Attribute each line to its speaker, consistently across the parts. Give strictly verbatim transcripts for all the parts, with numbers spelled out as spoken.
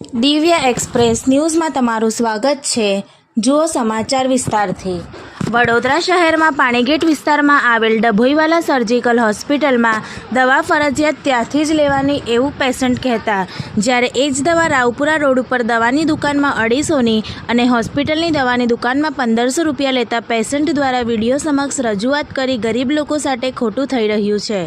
Speaker 1: દિવ્ય એક્સપ્રેસ ન્યૂઝમાં તમારું સ્વાગત છે। જુઓ સમાચાર વિસ્તારથી। વડોદરા શહેરમાં પાણીગેટ વિસ્તારમાં આવેલ ડભોઈવાલા સર્જિકલ હોસ્પિટલમાં દવા ફરજિયાત ત્યાંથી જ લેવાની એવું પેશન્ટ કહેતા, જ્યારે એ જ દવા રાવપુરા રોડ ઉપર દવાની દુકાનમાં અઢીસોની અને હોસ્પિટલની દવાની દુકાનમાં પંદરસો રૂપિયા લેતા પેશન્ટ દ્વારા વિડીયો સમક્ષ રજૂઆત કરી ગરીબ લોકો સાથે ખોટું થઈ રહ્યું છે।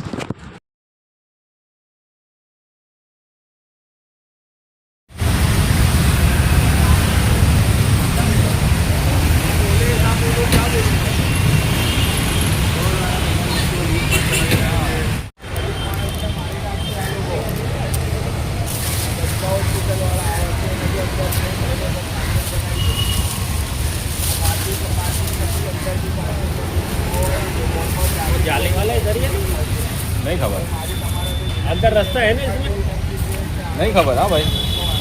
Speaker 2: जाली वाला इधर ही है?
Speaker 3: नहीं खबर,
Speaker 2: अंदर रास्ता है ना इसमें?
Speaker 3: नहीं खबर। हाँ भाई,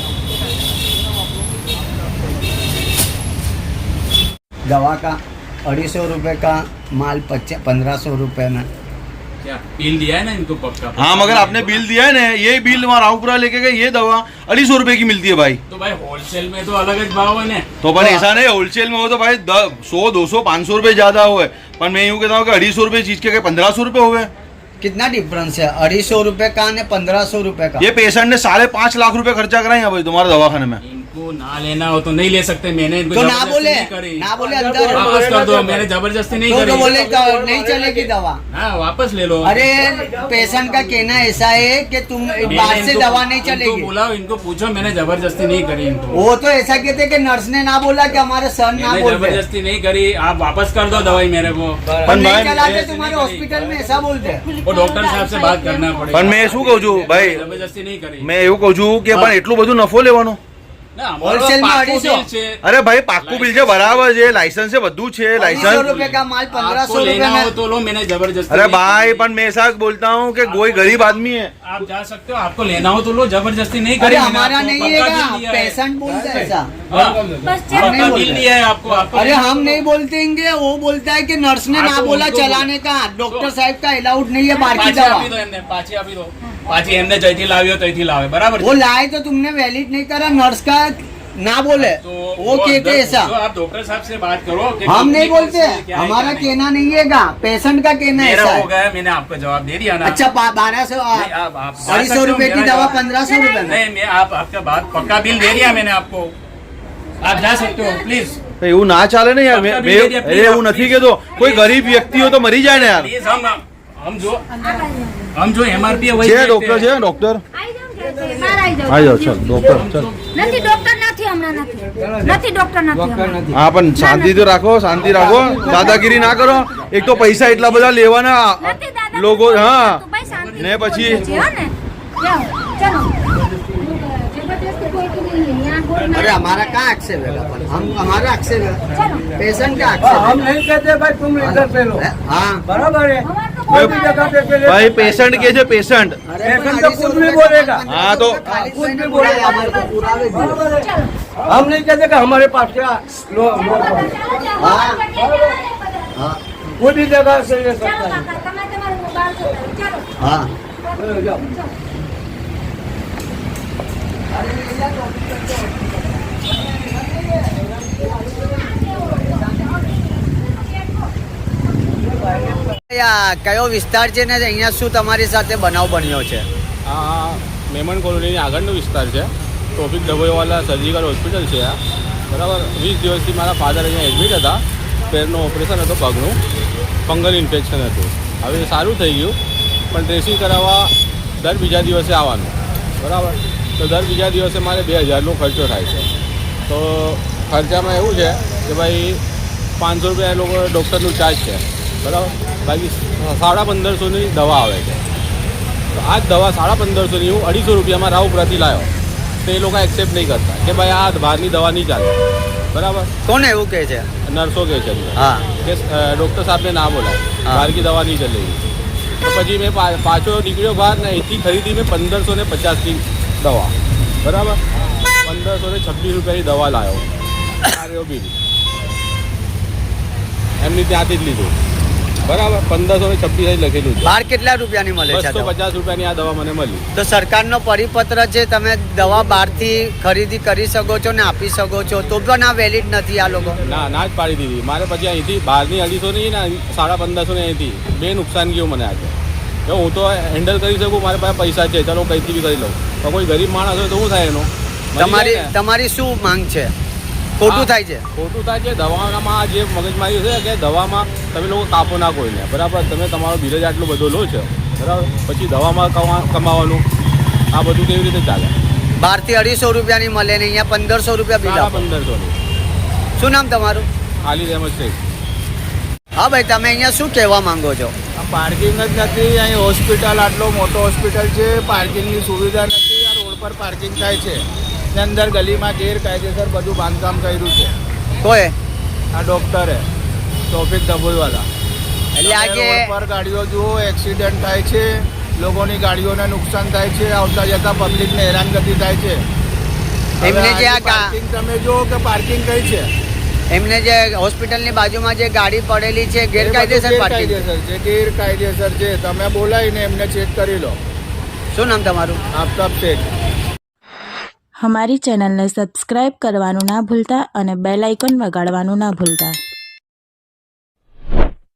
Speaker 4: दवा का अढ़ी सौ रुपये का माल पच्चीस पंद्रह सौ रुपये में।
Speaker 2: क्या बिल दिया है ना इनको पक्का?
Speaker 3: हाँ मगर आपने बिल दिया है ना, ये बिल वहाँ रावपुरा लेके गए, ये दवा अढ़ी सौ रुपए की मिलती है भाई।
Speaker 2: तो भाई होलसेल में तो अलग ज भाव है ना।
Speaker 3: तो पर ऐसा नहीं, होलसेल में हो तो भाई सौ दो सौ पाँच सौ रुपए ज्यादा हुए, पर मैं यूँ कहता हूँ कि अढ़ी सौ रुपए चीज के पंद्रह सौ रुपए हुए।
Speaker 4: कितना डिफरेंस है अढ़ी सौ रुपये का ने पंद्रह सौ रुपये का?
Speaker 3: ये पेशेंट ने साढ़े पाँच लाख रुपए खर्चा कराए यहाँ भाई तुम्हारे दवाखाने में।
Speaker 2: इनको ना लेना हो तो नहीं ले सकते। मैंने इनको
Speaker 4: तो ना
Speaker 2: जबरदस्ती
Speaker 4: बोले
Speaker 2: नहीं करी।
Speaker 4: ना बोले अंदर
Speaker 2: वापस कर दो, मैंने जबरदस्ती नहीं
Speaker 4: तो,
Speaker 2: करी।
Speaker 4: तो बोले तो नहीं चलेगी दवा।
Speaker 2: हाँ वापस ले लो।
Speaker 4: अरे पेशेंट का कहना ऐसा है कि तुम बाहर से दवा नहीं चलेगी।
Speaker 2: बुलाओ इनको, पूछो, मैंने जबरदस्ती नहीं करी इनको।
Speaker 4: वो तो ऐसा कहते कि नर्स ने ना बोला कि हमारे सर ना
Speaker 2: मैंने
Speaker 4: बोलते,
Speaker 2: जबरदस्ती नहीं करी। आप वापस कर दो दवाई मेरे को।
Speaker 4: पर नहीं
Speaker 3: भाई-
Speaker 4: चलाते तुम्हारे हॉस्पिटल में, ऐसा बोलते।
Speaker 2: वो डॉक्टर साहब से बात करना पड़ेगा।
Speaker 3: પણ મેં શું કહું છું ભાઈ,
Speaker 2: જબરદસ્તી નહીં કરી।
Speaker 3: મેં એવું કહું છું કે પણ એટલું બધું નફો લેવાનો?
Speaker 2: ના, અમારો
Speaker 4: હોલસેલ માં
Speaker 2: પાકું
Speaker 4: અઢીસો।
Speaker 2: bill છે।
Speaker 3: અરે ભાઈ પાક્કું બિલ છે, બરાબર છે, લાયસન્સ છે, બધું છે,
Speaker 4: सौ
Speaker 3: લાયસન્स।
Speaker 4: रुपए का माल पंद्रह
Speaker 2: आपको
Speaker 4: सौ
Speaker 2: लेना
Speaker 4: रुपये
Speaker 2: हो
Speaker 4: में।
Speaker 2: तो लो, मैंने जबरदस्ती
Speaker 3: अरे
Speaker 2: नहीं
Speaker 3: भाई
Speaker 2: करी।
Speaker 3: पर मैं ऐसा बोलता हूँ कि कोई गरीब आदमी है।
Speaker 2: आप जा सकते हो, आपको लेना हो तो लो, जबरदस्ती नहीं
Speaker 4: अरे
Speaker 2: करी। मैंने
Speaker 4: हमारा
Speaker 2: आपको
Speaker 4: नहीं
Speaker 2: पक्का
Speaker 4: है
Speaker 2: बिल दिया है।
Speaker 4: पेशेंट बोलता है ऐसा।
Speaker 2: हाँ,
Speaker 4: हम
Speaker 2: पक्का
Speaker 4: नहीं
Speaker 2: बिल
Speaker 4: बोलते।
Speaker 2: दिया है आपको। आपको
Speaker 4: अरे हम नहीं बोलतेंगे, वो बोलता है कि नर्स ने
Speaker 2: हाँ,
Speaker 4: ना
Speaker 2: तो
Speaker 4: बोला
Speaker 2: उनको
Speaker 4: चलाने का, डॉक्टर
Speaker 2: तो-
Speaker 4: साहब का अलाउड नहीं है बाहर की
Speaker 2: પાછી
Speaker 4: दवा।
Speaker 2: આપી દો એમને, પાછી આપી દો। પાછી એમને જઈથી લાવ્યો તઈથી લાવે, બરાબર
Speaker 4: वो
Speaker 2: છે?
Speaker 4: लाए तो तुमने वैलिड नहीं करा, नर्स का ना बोले
Speaker 2: तो
Speaker 4: वो कहते
Speaker 2: अंदर
Speaker 4: ऐसा।
Speaker 2: पूछो, आप डॉक्टर साहब से बात करो कि
Speaker 4: हम
Speaker 2: कितनी
Speaker 4: नहीं बोलते,
Speaker 2: फीस है, क्या है,
Speaker 4: हमारा
Speaker 2: क्या नहीं।
Speaker 4: कहना नहीं है का, पेशेंट का कहना
Speaker 2: मेरा
Speaker 4: ऐसा
Speaker 2: हो
Speaker 4: है।
Speaker 2: गया, मैंने आपको जवाब दे दिया ना।
Speaker 4: अच्छा बारह सौ
Speaker 2: नहीं, आप- आप जा
Speaker 4: अढ़ी
Speaker 2: सकते
Speaker 4: सौ
Speaker 2: हो,
Speaker 4: रुपए की
Speaker 2: मेरा
Speaker 4: दवा
Speaker 2: जवाब-
Speaker 4: पंद्रह सौ रुपए में।
Speaker 2: नहीं, मैं आप आपका बात पक्का बिल दे दिया मैंने आपको। आप जा सकते हो प्लीज।
Speaker 3: એવું ના ચાલે ને યાર।
Speaker 2: પક્કા
Speaker 3: મેં-
Speaker 2: બિલ દે દિયા,
Speaker 3: અરે
Speaker 2: please,
Speaker 3: એવું
Speaker 2: आप
Speaker 3: નથી
Speaker 2: please।
Speaker 3: કહેતો, કોઈ ગરીબ વ્યક્તિ हो तो मरी जाए ना यार।
Speaker 2: प्लीज हम हम जो हम जो एमआरपी है वही
Speaker 3: છે
Speaker 2: देखते
Speaker 3: ડોક્ટર
Speaker 2: हैं।
Speaker 3: છે ડોક્ટર
Speaker 5: આવી
Speaker 3: આવી જાઓ ચાલ ડોક્ટર ચાલ।
Speaker 5: નથી ડોક્ટર નથી હમણાં નથી નથી ડોક્ટર નથી હમણાં.
Speaker 3: હા પણ શાંતિ તો રાખો, શાંતિ રાખો, દાદાગીરી ના કરો। એક તો પૈસા એટલા બધા લેવાના
Speaker 5: નથી દાદા
Speaker 3: લોકો। હા
Speaker 5: તું ભાઈ શાંતિ
Speaker 3: ને પછી
Speaker 5: છે, હો ને? જાઓ, ચલો. જબરદસ્તી કોઈ की नहीं है यहाँ बोल
Speaker 4: अरे हमारा क्या आक्षेप है, हम हमारा आक्षेप है,
Speaker 5: चलो
Speaker 4: पेशेंट का आक्षेप
Speaker 6: हम नहीं कहते भाई तुम इधर पे लो,
Speaker 4: है। हाँ
Speaker 6: बराबर है।
Speaker 5: हमारे तो
Speaker 6: कोई भी जगह पे पे ले।
Speaker 3: ભાઈ પેશન્ટ કે છે પેશન્ટ।
Speaker 4: अरे
Speaker 6: पेशेंट तो खुद भी बोलेगा।
Speaker 3: हाँ, तो-
Speaker 6: खुद भी बोलेगा।
Speaker 4: हमारे को पुरावे दिए।
Speaker 6: बराबर है।
Speaker 5: चलो
Speaker 6: हम नहीं कहते कि हमारे पास क्या लो लो
Speaker 5: चलो चलो
Speaker 4: हाँ।
Speaker 5: चलो
Speaker 4: हाँ
Speaker 6: कोई भी जगह से ले सकता है।
Speaker 5: काका તમે તમારું મોબાઈલ ચલો
Speaker 4: हाँ
Speaker 6: चलो, जाओ।
Speaker 4: કયો વિસ્તાર છે ને અહીંયા શું તમારી સાથે બનાવ બન્યો છે?
Speaker 7: આ મેમન કોલોનીની આગળનો વિસ્તાર છે। ટ્રોફિક ડભોઈવાલા સર્જિકલ હોસ્પિટલ છે આ, બરાબર। વીસ દિવસથી મારા ફાધર અહીંયા એડમિટ હતા, પેરનું ઓપરેશન હતું, પગનું ફંગલ ઇન્ફેક્શન હતું। હવે સારું થઈ ગયું, પણ ડ્રેસિંગ કરાવવા દર બીજા દિવસે આવવાનું, બરાબર। તો દર બીજા દિવસે મારે બે હજારનો ખર્ચો થાય છે। તો ખર્ચામાં એવું છે કે ભાઈ પાંચસો રૂપિયા એ લોકો ડૉક્ટરનું ચાર્જ છે, બરાબર। બાકી સાડા પંદરસોની દવા આવે છે। તો આ જ દવા સાડા પંદરસોની હું અઢીસો રૂપિયામાં રાવપુરાથી લાવ્યો, તો એ લોકો એક્સેપ્ટ નહીં કરતા કે ભાઈ આ બહારની દવા નહીં ચાલે, બરાબર।
Speaker 4: કોણ એવું કહે છે?
Speaker 7: નર્સો કહે છે
Speaker 4: હા
Speaker 7: કે ડૉક્ટર સાહેબને ના બોલાય,
Speaker 4: હા.
Speaker 7: બહાર કી દવા નહીં ચલેગી। તો પછી મેં પા- પાછો નીકળ્યો બહાર ને અહીંથી ખરીદી મેં પંદરસો ને પચાસની દવા, બરાબર। પંદરસો ને છવ્વીસ રૂપિયાની દવા લાવ્યો, આ રહ્યો બિલ, એમની ત્યાંથી જ લીધું। બરાબર પંદરસો ને છવ્વીસ લખેલું છે.
Speaker 4: બહાર કેટલા રૂપિયાની મળે છે આ
Speaker 7: બસો
Speaker 4: દવા?
Speaker 7: પચાસ રૂપિયાની આ દવા મને મળી.
Speaker 4: તો સરકારનો પરિપત્ર છે, તમે દવા બહારથી ખરીદી કરી શકો છો ને આપી શકો છો, તો પણ આ વેલિડ નથી આ લોકો.
Speaker 7: ના ના જ પાડી દીધી મારે. પછી અહીંથી બહારની અઢીસો ની ને સાડા પંદરસો ની અહીંથી બે નુકસાન ગયું મને આજે. જો હું તો હેન્ડલ કરી શકું, મારી પાસે પૈસા છે, ચલો કંઈથી બી કરી લઉં. પણ કોઈ ગરીબ માણસ હોય તો શું થાય એનો? મરી
Speaker 4: તમારી
Speaker 7: જાય ને.
Speaker 4: તમારી શું માંગ છે? ખોટું
Speaker 7: હા,
Speaker 4: થાય છે.
Speaker 7: ખોટું થાય છે. દવામાં જે મગજમારી છે કે દવામાં તમે લોકો કાપો ના કોઈને, બરાબર? તમે તમારો બિલ જ આટલો બધો લો છો, બરાબર? પછી દવામાં કમા- કમાવાનું આ બધું કેવી રીતે ચાલે?
Speaker 4: બહારથી અઢીસો રૂપિયાની મળે ને અહીંયા પંદરસો રૂપિયા બિલ
Speaker 7: સાડા
Speaker 4: આપો.
Speaker 7: પંદરસો ની.
Speaker 4: શું નામ તમારું?
Speaker 7: ખાલી રહેમત છે.
Speaker 4: હા ભાઈ, તમે અહીંયા શું કહેવા માંગો છો?
Speaker 8: પાર્કિંગ જ નથી. અહીં હોસ્પિટલ આટલો મોટો હોસ્પિટલ છે, પાર્કિંગની સુવિધા નથી. આ રોડ પર પાર્કિંગ થાય છે ને અંદર ગલીમાં ગેરકાયદેસર બધું બાંધકામ કર્યું છે
Speaker 4: કોઈ
Speaker 8: આ ડોક્ટરે ટોપિક ડભોઈવાલા.
Speaker 4: એટલે આ જે
Speaker 8: રોડ પર ગાડીઓ જુઓ, એક્સિડન્ટ થાય છે, લોકોની ગાડીઓને નુકસાન થાય છે, આવતા જતા પબ્લિકને હેરાનગતિ થાય છે.
Speaker 4: એમને
Speaker 8: હવે
Speaker 4: જે આ
Speaker 8: આની
Speaker 4: ગા-
Speaker 8: પાર્કિંગ તમે જુઓ કે પાર્કિંગ કઈ છે?
Speaker 4: એમને જે હોસ્પિટલની બાજુમાં જે ગાડી પડેલી છે
Speaker 8: એ બધું
Speaker 4: ગેરકાયદેસર પાર્કિંગ.
Speaker 8: ગેરકાયદેસર છે, ગેરકાયદેસર છે. તમે બોલાવીને એમને ચેક કરી લો.
Speaker 4: શું નામ તમારું?
Speaker 8: આફતાબ શેઠ.
Speaker 1: हमारी चैनल ने सब्सक्राइब करवानुं ना भूलता અને બેલ આઇકન વગાડવાનું ના ભૂલતા.